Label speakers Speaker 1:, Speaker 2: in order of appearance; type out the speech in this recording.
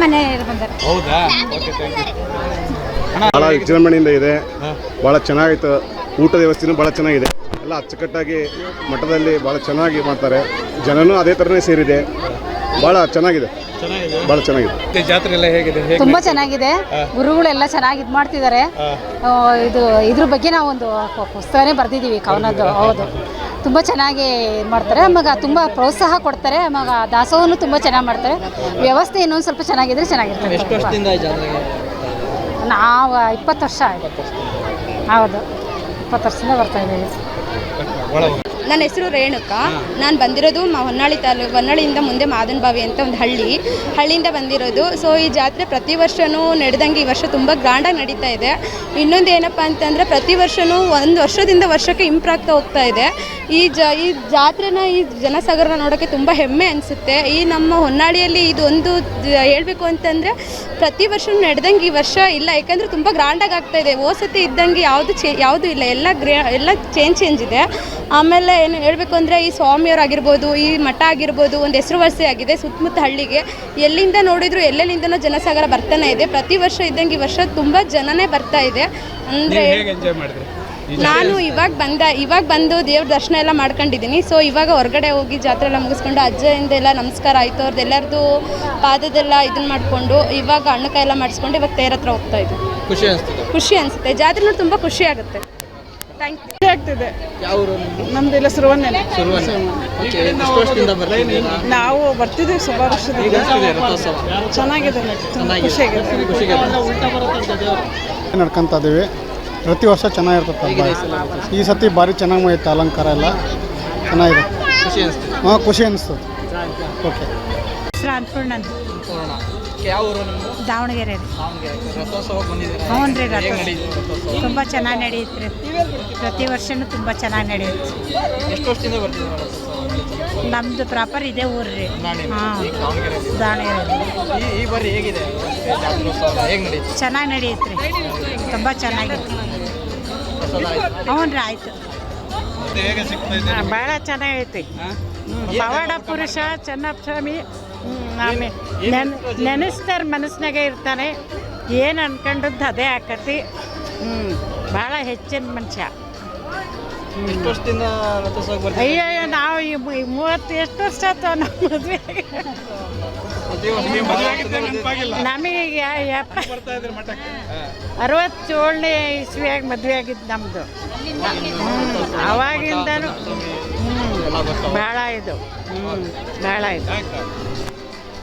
Speaker 1: ಮನೆಯವರು ಬಂದಾರೆ.
Speaker 2: ಹೌದಾ? Okay, thank you.
Speaker 3: ಭಾಳ ವಿಜೃಂಭಣೆಯಿಂದ ಇದೆ, ಭಾಳ ಚೆನ್ನಾಗಿತ್ತು. ಊಟದ ವ್ಯವಸ್ಥೆನೂ ಭಾಳ ಚೆನ್ನಾಗಿದೆ, ಎಲ್ಲ ಅಚ್ಚುಕಟ್ಟಾಗಿ ಮಠದಲ್ಲಿ ಭಾಳ ಚೆನ್ನಾಗಿ ಮಾಡ್ತಾರೆ. ಜನನೂ ಅದೇ ಥರನೇ ಸೇರಿದೆ, ಭಾಳ ಚೆನ್ನಾಗಿದೆ, ಭಾಳ ಚೆನ್ನಾಗಿದೆ.
Speaker 2: ಜಾತ್ರೆ ಎಲ್ಲ ಹೇಗಿದೆ?
Speaker 1: ತುಂಬ ಚೆನ್ನಾಗಿದೆ. ಗುರುಗಳೆಲ್ಲ ಚೆನ್ನಾಗಿ ಇದು ಮಾಡ್ತಿದ್ದಾರೆ. ಇದ್ರ ಬಗ್ಗೆ ನಾವು ಒಂದು ಪುಸ್ತಕನೇ ಬರೆದಿದ್ದೀವಿ, ಕವನದ್ದು. ಹೌದು, ತುಂಬ ಚೆನ್ನಾಗಿ ಮಾಡ್ತಾರೆ. ಆವಾಗ ತುಂಬ ಪ್ರೋತ್ಸಾಹ ಕೊಡ್ತಾರೆ. ಆವಾಗ ದಾಸೋಹನೂ ತುಂಬ ಚೆನ್ನಾಗಿ ಮಾಡ್ತಾರೆ. ವ್ಯವಸ್ಥೆ ಇನ್ನೊಂದು ಸ್ವಲ್ಪ ಚೆನ್ನಾಗಿದ್ರೆ ಚೆನ್ನಾಗಿರ್ತದೆ.
Speaker 2: ಎಷ್ಟು ವರ್ಷದಿಂದ ಈ ಜಾತ್ರೆಗೆ?
Speaker 1: ನಾವು 20 ವರ್ಷ ಆಯಿತು. ಹೌದು, 20 ವರ್ಷದಿಂದ ಬರ್ತಾ ಇದ್ದೀವಿ.
Speaker 4: ನನ್ನ ಹೆಸರು ರೇಣುಕಾ. ನಾನು ಬಂದಿರೋದು ಹೊನ್ನಾಳಿ ತಾಲೂಕು, ಹೊನ್ನಾಳಿಯಿಂದ ಮುಂದೆ ಮಾದನಬಾವಿ ಅಂತ ಒಂದು ಹಳ್ಳಿಯಿಂದ ಬಂದಿರೋದು. ಸೊ ಈ ಜಾತ್ರೆ ಪ್ರತಿ ವರ್ಷವೂ ನಡೆದಂಗೆ ಈ ವರ್ಷ ತುಂಬ ಗ್ರ್ಯಾಂಡಾಗಿ ನಡೀತಾ ಇದೆ. ಇನ್ನೊಂದು ಏನಪ್ಪ ಅಂತಂದರೆ ಪ್ರತಿ ವರ್ಷವೂ ಒಂದು ವರ್ಷದಿಂದ ವರ್ಷಕ್ಕೆ ಇಂಪ್ರೂವ್ ಆಗ್ತಾ ಹೋಗ್ತಾ ಇದೆ. ಈ ಜಾತ್ರೆನ, ಈ ಜನಸಾಗರನ ನೋಡೋಕ್ಕೆ ತುಂಬ ಹೆಮ್ಮೆ ಅನಿಸುತ್ತೆ. ಈ ನಮ್ಮ ಹೊನ್ನಾಳಿಯಲ್ಲಿ ಇದು ಒಂದು ಹೇಳಬೇಕು ಅಂತಂದರೆ ಪ್ರತಿ ವರ್ಷ ನಡೆದಂಗೆ ಈ ವರ್ಷ ಇಲ್ಲ, ಯಾಕಂದರೆ ತುಂಬ ಗ್ರ್ಯಾಂಡಾಗಿ ಆಗ್ತಾಯಿದೆ. ಓಸತಿ ಇದ್ದಂಗೆ ಯಾವುದು ಇಲ್ಲ, ಎಲ್ಲ ಚೇಂಜ್ ಇದೆ. ಆಮೇಲೆ ಏನು ಹೇಳಬೇಕು ಅಂದರೆ ಈ ಸ್ವಾಮಿಯವರಾಗಿರ್ಬೋದು, ಈ ಮಠ ಆಗಿರ್ಬೋದು, ಒಂದು ಹೆಸರುವಾಸಿ ಆಗಿದೆ ಸುತ್ತಮುತ್ತ ಹಳ್ಳಿಗೆ. ಎಲ್ಲಿಂದ ನೋಡಿದ್ರು ಎಲ್ಲೆಲ್ಲಿಂದನೂ ಜನಸಾಗರ ಬರ್ತಾನೆ ಇದೆ. ಪ್ರತಿ ವರ್ಷ ಇದ್ದಂಗೆ ಈ ವರ್ಷ ತುಂಬ ಜನನೇ ಬರ್ತಾ ಇದೆ. ಅಂದರೆ ನಾನು ಇವಾಗ ಬಂದು ದೇವ್ರ ದರ್ಶನ ಎಲ್ಲ ಮಾಡ್ಕೊಂಡಿದ್ದೀನಿ. ಸೊ ಇವಾಗ ಹೊರಗಡೆ ಹೋಗಿ ಜಾತ್ರೆ ಎಲ್ಲ ಮುಗಿಸ್ಕೊಂಡು ಅಜ್ಜಯಿಂದೆಲ್ಲ ನಮಸ್ಕಾರ ಆಯಿತು, ಅವ್ರದ್ದೆಲ್ಲರದು ಪಾದದೆಲ್ಲ ಇದನ್ನು ಮಾಡಿಕೊಂಡು ಇವಾಗ ಹಣ್ಣುಕಾಯಿ ಎಲ್ಲ ಮಾಡಿಸ್ಕೊಂಡು ಇವಾಗ ತೇರ ಹತ್ರ ಹೋಗ್ತಾ ಇದ್ದೆ. ಖುಷಿ ಅನಿಸುತ್ತೆ. ಜಾತ್ರೆ ನೋಡಿ ತುಂಬ ಖುಷಿ ಆಗುತ್ತೆ. Thank you.
Speaker 5: ಖುಷಿ ಆಗ್ತಿದೆ. ನಮ್ದೆಲ್ಲ ಸುರವನ್ನೇ. ನಾವು ಬರ್ತಿದ್ದೀವಿ ಸುಮಾರು ವರ್ಷದಿಂದ. ಚೆನ್ನಾಗಿದೆ, ಖುಷಿಯಾಗಿದೆ.
Speaker 6: ನಡ್ಕೊಂತ ಇದ್ದೀವಿ. ಪ್ರತಿ ವರ್ಷ ಚೆನ್ನಾಗಿರ್ತದೆ. ಈ ಸತಿ ಭಾರಿ ಚೆನ್ನಾಗಿ ಹೋಯ್ತು, ಅಲಂಕಾರ ಎಲ್ಲ ಚೆನ್ನಾಗಿದೆ. ಹಾಂ, ಖುಷಿ ಅನಿಸ್ತದೆ. ಓಕೆ.
Speaker 1: ದಾವಣಗೆರೆ. ಹ್ಞೂ ರೀ, ತುಂಬ ಚೆನ್ನಾಗಿ ನಡೆಯುತ್ತೆ. ಪ್ರತಿ ವರ್ಷವೂ ತುಂಬ ಚೆನ್ನಾಗಿ ನಡೆಯುತ್ತೆ.
Speaker 2: ಎಷ್ಟು ವರ್ಷದಿಂದ ಬರ್ತಿದ್ದೀರಾ?
Speaker 1: ನಮ್ಮದು ಪ್ರಾಪರ್ ಇದೇ ಊರು ರೀ. ಹಾಂ, ದಾವಣಗೆರೆ.
Speaker 2: ಈ ಬಾರಿ ಹೇಗಿದೆ?
Speaker 1: ಚೆನ್ನಾಗಿ ನಡೆಯುತ್ತೆ ರೀ, ತುಂಬ ಚೆನ್ನಾಗಿತ್ತು. ಹ್ಞೂ ರೀ, ಆಯಿತು. ಭಾಳ ಚೆನ್ನಾಗೈತಿ. ಪವಾಡ ಪುರುಷ ಚೆನ್ನಸ್ವಾಮಿ ನೆನೆಸ್ತಾರೆ, ಮನಸ್ಸಿನಾಗೆ ಇರ್ತಾನೆ. ಏನು ಅನ್ಕೊಂಡದ್ದು ಅದೇ ಆಕತಿ. ಭಾಳ ಹೆಚ್ಚಿನ ಮನುಷ್ಯ. ಅಯ್ಯೋ, ನಾವು 30 ಎಷ್ಟು ವರ್ಷ ಆಯ್ತು ನಮ್ಮ ಮದುವೆ. ನಮಗೆ 67ನೇ ಇಸ್ವಿಯಾಗ ಮದುವೆ ಆಗಿದ್ದು ನಮ್ಮದು. ಅವಾಗಿಂದನೂ ಭಾಳ ಇದು ಭಾಳ ಇದು.